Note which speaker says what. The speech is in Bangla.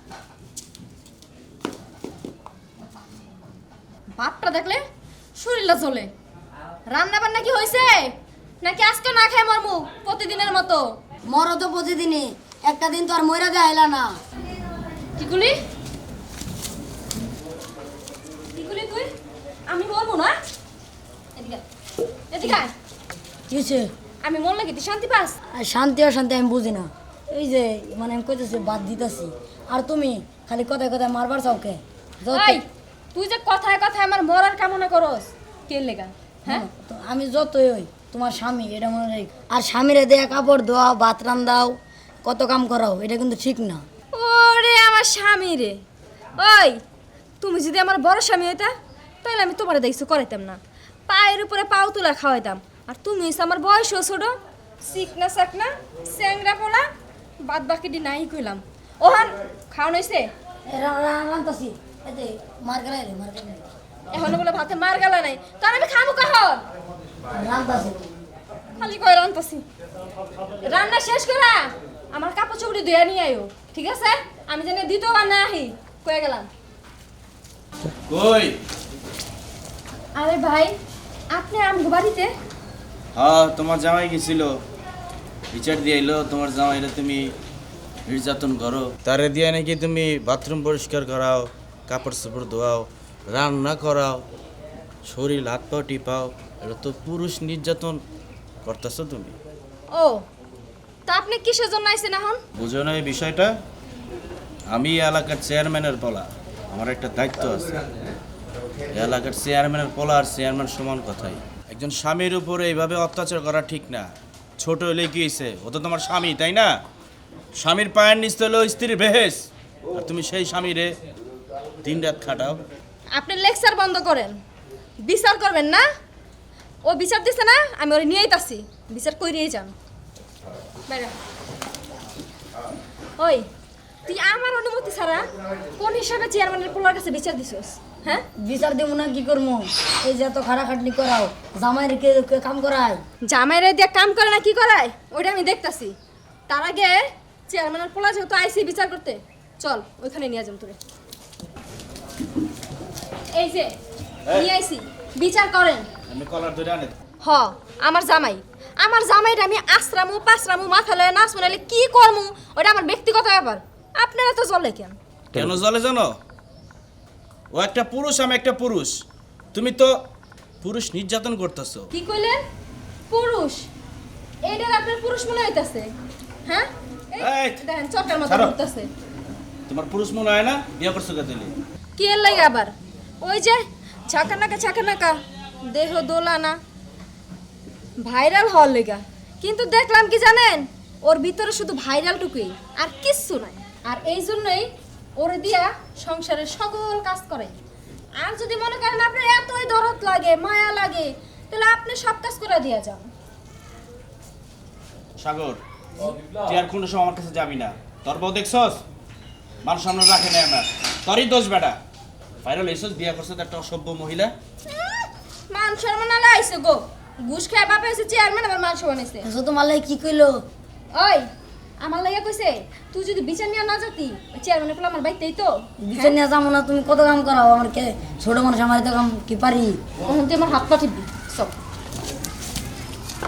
Speaker 1: ভাতটা দেখলে শরীরটা চলে। রান্না বান্না কি হয়েছে নাকি আজকে না খাই মরমু প্রতিদিনের মতো?
Speaker 2: মরো তো প্রতিদিনই, একটা দিন তো আর মইরা যাইলা না।
Speaker 1: কি করলি কি করলি তুই? আমি মরবো না? এদিকে এদিকে আয়।
Speaker 2: কি হয়েছে?
Speaker 1: আমি মরলে কি তুই শান্তি পাস?
Speaker 2: আর শান্তি অশান্তি আমি বুঝি না। এই যে মানে আমি কইতেছি বাদ দিতেছি, আর তুমি খালি কথায় কথায় মারবার চাওকে।
Speaker 1: এই তুই যে কথায় কথায় আমার মরার কামনা করস কে লেগা? হ্যাঁ
Speaker 2: আমি যতই হই তোমার স্বামী, এটা মনে রাখ। আর স্বামীরে দেয়া কাপড় ধোয়া, ভাত রান্দাও, কত কাম করাও, এটা কিন্তু ঠিক না।
Speaker 1: ওরে আমার স্বামী রে, ওই তুমি যদি আমার বড় স্বামী হইতা তাহলে আমি তোমার দেখছো করাইতাম না, পায়ের উপরে পাও তুলা খাওয়াইতাম। আর তুমি হইছো আমার বয়সও ছোট, চিকনা চাকনা স্যাংরা পোলা, বাদ বাকিটি নাই কইলাম। ওহান খাওয়ান হইছে?
Speaker 2: রান্তাছি এতে মার গেলাই রে, মার গেলাই
Speaker 1: এখন বলে ভাতে মার গেল নাই, কারণ আমি খাবো কখন?
Speaker 2: রান্তাছি।
Speaker 1: খালি কয় রান্তাছি। রান্না শেষ করা আমার কাপড় চোপড়ি ধুয়ে নিয়ে আইও, ঠিক আছে? আমি জানি দ্বিতীয়বার না আহি কয়ে গেলাম।
Speaker 3: কই?
Speaker 1: আরে ভাই আপনি আমগো বাড়িতে?
Speaker 3: হ্যাঁ, তোমার জামাই গেছিল, বিচার দিয়ে এলো। তোমার জামাইরা তুমি নির্যাতন করো, তারে দিয়ে নাকি তুমি বাথরুম পরিষ্কার করাও, কাপড় চোপড় ধোয়াও, রান্না করাও, শরীর হাত পা টিপাও। এটা তো পুরুষ নির্যাতন করতেছো তুমি।
Speaker 1: ও তা আপনি কিসের জন্য আইছেন এখন?
Speaker 3: বুঝো না এই বিষয়টা? আমি এই এলাকার চেয়ারম্যানের পোলা, আমার একটা দায়িত্ব আছে। এই এলাকার চেয়ারম্যানের পোলা আর চেয়ারম্যান সমান কথাই। একজন স্বামীর উপরে এইভাবে অত্যাচার করা ঠিক না। ছোট হলে কি হয়েছে, ও তো তোমার স্বামী, তাই না? স্বামীর পায়ের নিচ হলো স্ত্রীর বেহেস, আর তুমি সেই স্বামীরে দিন রাত খাটাও।
Speaker 1: আপনি লেকচার বন্ধ করেন, বিচার করবেন না? ও বিচার দিছে না, আমি ওরে নিয়েই তাছি, বিচার কইরেই যান। বাইরে। ওই তুই আমার অনুমতি ছাড়া কোন হিসাবে চেয়ারম্যানের পোলার কাছে বিচার দিছস? হ্যাঁ
Speaker 2: বিচার দেবো না কি করবো? এই যে এত খাটাখাটনি করাও, জামাই রেখে কাম করায়।
Speaker 1: জামাইরে দিয়ে কাম করে না কি করায় ওইটা আমি দেখতাছি। তার আগে চেয়ারম্যানের পোলা যেহেতু আইসি বিচার করতে, চল ওইখানে নিয়ে যাম তোরে। এই যে নিয়ে আইসি, বিচার করেন।
Speaker 3: আমি কলার ধরে আনে।
Speaker 1: হ আমার জামাইটা আমি আশ্রামু পাশ্রামু মাথা লয়ে নাচ বানাইলে কি করমু ওটা আমার ব্যক্তিগত ব্যাপার। আপনারা তো চলে কেন?
Speaker 3: কেন জলে জানো? ও একটা পুরুষ, আমি একটা পুরুষ। তুমি তো পুরুষ নির্যাতন করতেছো।
Speaker 1: কি কইলেন? পুরুষ? এইটার আপনার পুরুষ মনে হইতাছে? হ্যাঁ
Speaker 3: এই,
Speaker 1: দেখেন চটার মতো
Speaker 3: ছাড়ো।
Speaker 1: ঘুরতাছে।
Speaker 3: তোমার পুরুষ মনে হয় না? বিয়ে করছো কে তুমি?
Speaker 1: কি এর লাগে আবার? ওই যে ছাকানাকা দেহ দোলানা ভাইরাল হওয়ার লেগা। কিন্তু দেখলাম কি জানেন, ওর ভিতরে শুধু ভাইরাল টুকুই আর কিচ্ছু নাই। আর এই জন্যই ওরে দিয়া সংসারের সকল কাজ করে। আর যদি মনে করেন আপনার এতই দরদ লাগে, মায়া লাগে, তাহলে আপনি সব কাজ করে দিয়া যান।
Speaker 3: সাগর, তুই আর কোনো সময় আমার কাছে যাবি না। তোর বউ দেখছস, মানুষ সামনে রাখে না আমার। তোরই দোষ বেটা। ভাইরাল হয়েছস, বিয়ে করছো একটা অসভ্য মহিলা।
Speaker 1: মান সম্মান আলা আইছে গো, ঘুষ খায় বাপে হইছে চেয়ারম্যান, আবার মান সম্মান হইছে।
Speaker 2: তোমার লাগে কি কইলো?
Speaker 1: ওই আমার লাগা কইছে তুই যদি বিচার নিয়ে না যাতি ওই চেয়ারম্যানের পোলা আমার বাইতেই তো।
Speaker 2: বিচার নিয়ে যাবো না? তুমি কত কাম করাও, আমার কে ছোট মানুষ, আমার তো কাম কি পারি।
Speaker 1: তখন তুই আমার হাত পা টিপবি সব।